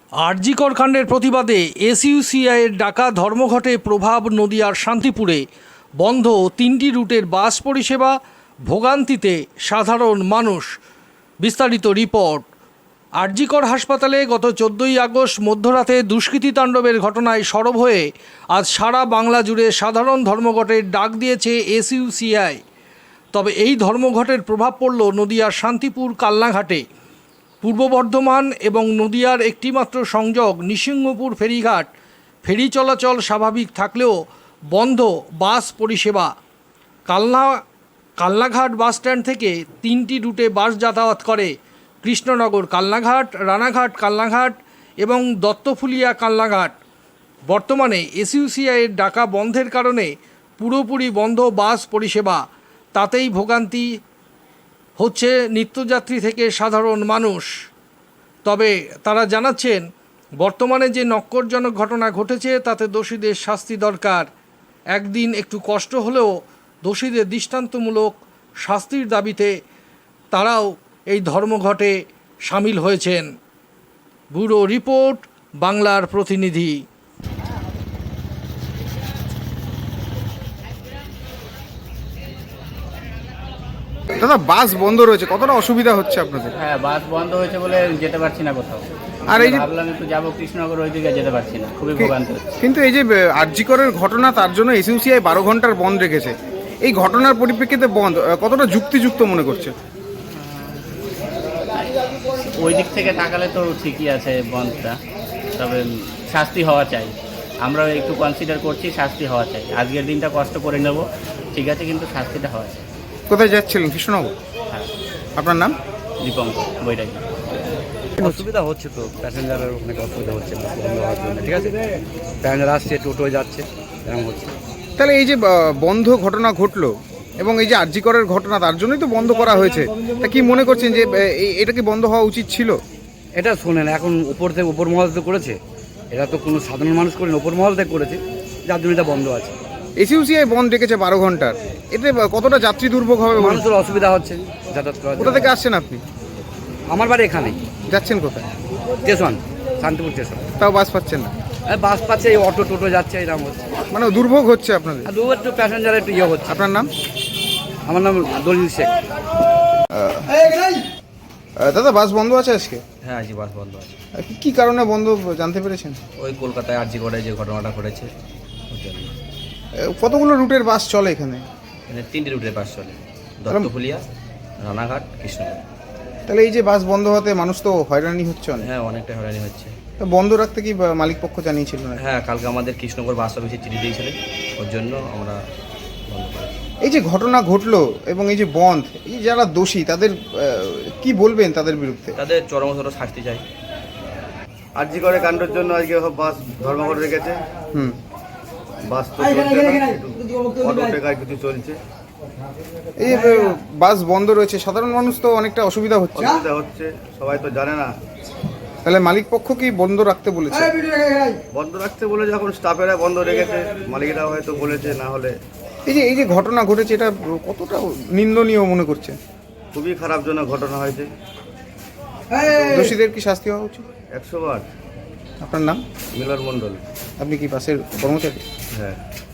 আরজি কর কাণ্ডের প্রতিবাদে এসইউসিআইয়ের ডাকা ধর্মঘটে প্রভাব নদিয়ার শান্তিপুরে বন্ধ 3টি রুটের বাস পরিষেবা, ভোগান্তিতে সাধারণ মানুষ। বিস্তারিত রিপোর্ট। আরজি কর হাসপাতালে গত 14ই আগস্ট মধ্যরাতে দুষ্কৃতী তাণ্ডবের ঘটনায় সরব হয়ে আজ সারা বাংলা জুড়ে সাধারণ ধর্মঘটের ডাক দিয়েছে এসইউসিআই। তবে এই ধর্মঘটের প্রভাব পড়ল নদিয়ার শান্তিপুর কালনাঘাটে। পূর্ব বর্ধমান এবং নদিয়ার একটিমাত্র সংযোগ নৃসিংহপুর ফেরিঘাট, ফেরি চলাচল স্বাভাবিক থাকলেও বন্ধ বাস পরিষেবা। কালনাঘাট বাস স্ট্যান্ড থেকে 3টি রুটে বাস যাতায়াত করে কৃষ্ণনগর কালনাঘাট, রানাঘাট কালনাঘাট এবং দত্তফুলিয়া কালনাঘাট। বর্তমানে এসইউসিআইয়ের ডাকা বন্ধের কারণে পুরোপুরি বন্ধ বাস পরিষেবা। তাতেই ভোগান্তি হচ্ছে নিত্যযাত্রী থেকে সাধারণ মানুষ। তবে তারা জানাচ্ছেন, বর্তমানে যে নক্করজনক ঘটনা ঘটেছে তাতে দোষীদের শাস্তি দরকার। একদিন একটু কষ্ট হলেও দোষীদের দৃষ্টান্তমূলক শাস্তির দাবিতে তারাও এই ধর্মঘটে সামিল হয়েছেন। ব্যুরো রিপোর্ট, বাংলার প্রতিনিধি। দাদা, বাস বন্ধ রয়েছে, কতটা অসুবিধা হচ্ছে আপনাদের? হ্যাঁ, বাস বন্ধ হয়েছে বলে যেতে পারছি না কোথাও। আর এই যে ভাবলাম একটু যাবো কৃষ্ণনগর, ওইদিকে যেতে পারছি না, খুবই ভোগান্তি হচ্ছে। কিন্তু এই যে আরজি করের ঘটনা, তার জন্য এসইউসিআই 12 ঘন্টার বন্ধ রেখেছে। এই ঘটনার পরিপ্রেক্ষিতে বন্ধ কতটা যুক্তিযুক্ত মনে করছে? ওই দিক থেকে তাকালে তো ঠিকই আছে বন্ধটা, তবে শাস্তি হওয়া চাই। আমরা একটু কনসিডার করছি, শাস্তি হওয়া চাই। আজকের দিনটা কষ্ট করে নেব, ঠিক আছে, কিন্তু শাস্তিটা হওয়া চাই। কোথায় যাচ্ছিলেন? কৃষ্ণনগর। হ্যাঁ। আপনার নাম? দীপঙ্কর, বৈরাগী। অসুবিধা হচ্ছে তো, প্যাসেঞ্জারের অনেক অসুবিধা হচ্ছে বন্ধ হওয়ার জন্য। ঠিক আছে, প্যাসেঞ্জার আসছে, টোটো যাচ্ছে, এরকম হচ্ছে। তাহলে এই যে বন্ধ ঘটনা ঘটলো এবং এই যে আরজি করের ঘটনা, তার জন্যই তো বন্ধ করা হয়েছে। তা কি মনে করছেন যে এটা কি বন্ধ হওয়া উচিত ছিল? এটা শোনেন, এখন উপর থেকে উপর মহল তো করেছে, এটা তো কোনো সাধারণ মানুষ করেনি, উপর মহল থেকে করেছে, যার জন্য এটা বন্ধ আছে। এসইউসিআই বন্ধ রেখেছে 12 ঘন্টার, এতে কতটা যাত্রী দুর্ভোগ হবে? মানুষের অসুবিধা হচ্ছে যাতায়াত করার কোথা জন্য। থেকে আসছেন আপনি? আমার বাড়ি এখানেই, যাচ্ছেন কোথায়? Station, Shantipur station. তাও বাস পাচ্ছেন না? বাস পাচ্ছে, এই অটো টোটো যাচ্ছে, এরকম হচ্ছে। মানে দুর্ভোগ হচ্ছে আপনাদের? আর দু একটু প্যাসেঞ্জার একটু ইয়ে হচ্ছে। আপনার নাম? আমার নাম দলিল শেখ। দাদা, বাস বন্ধ আছে আজকে? হ্যাঁ, আজকে বাস বন্ধ আছে। কি কারণে বন্ধ জানতে পেরেছেন? ওই কলকাতায় আরজি করে যে ঘটনাটা ঘটেছে ওর জন্য। কতগুলো রুটের বাস চলে এখানে? এখানে 3টি রুটের বাস চলে, দত্তফুলিয়া, রানাঘাট, কৃষ্ণনগর। তাহলে এই যে বাস বন্ধ হতে মানুষ তো হয়রানি হচ্ছে অনেক। হ্যাঁ, অনেকটা হয়রানি হচ্ছে। তা বন্ধ রাখতে কি মালিক পক্ষ জানিয়েছিল না? হ্যাঁ, কালকে আমাদের কৃষ্ণনগর বাস অফিসে চিঠি দিয়েছিলেন, ওর জন্য আমরা বন্ধ করেছি। এই যে ঘটনা ঘটলো এবং এই যে বন্ধ, এই যারা দোষী তাদের কি বলবেন তাদের বিরুদ্ধে? তাদের চরমতর শাস্তি চাই। আরজি করে কাণ্ডের জন্য আজকে বাস ধর্মঘট রেখেছে। বাস তো চলছে না, একটু অটো টেকায় কিছু চলছে। এই যে বাস বন্ধ রয়েছে, সাধারণ মানুষ তো অনেকটা অসুবিধা হচ্ছে। অসুবিধা হচ্ছে, সবাই তো জানে না। তাহলে মালিক পক্ষ কি বন্ধ রাখতে বলেছে? বন্ধ রাখতে বলে যখন স্টাফেরা বন্ধ রেখেছে, মালিকরা হয়তো বলেছে, না হলে। এই যে ঘটনা ঘটেছে, এটা কতটা নিন্দনীয় মনে করছে? খুবই খারাপজনক ঘটনা হয়েছে। দোষীদের কি শাস্তি হওয়া উচিত? 100 বার। আপনার নাম? মিলন মণ্ডল। আপনি কি বাসের কর্মচারী? হ্যাঁ।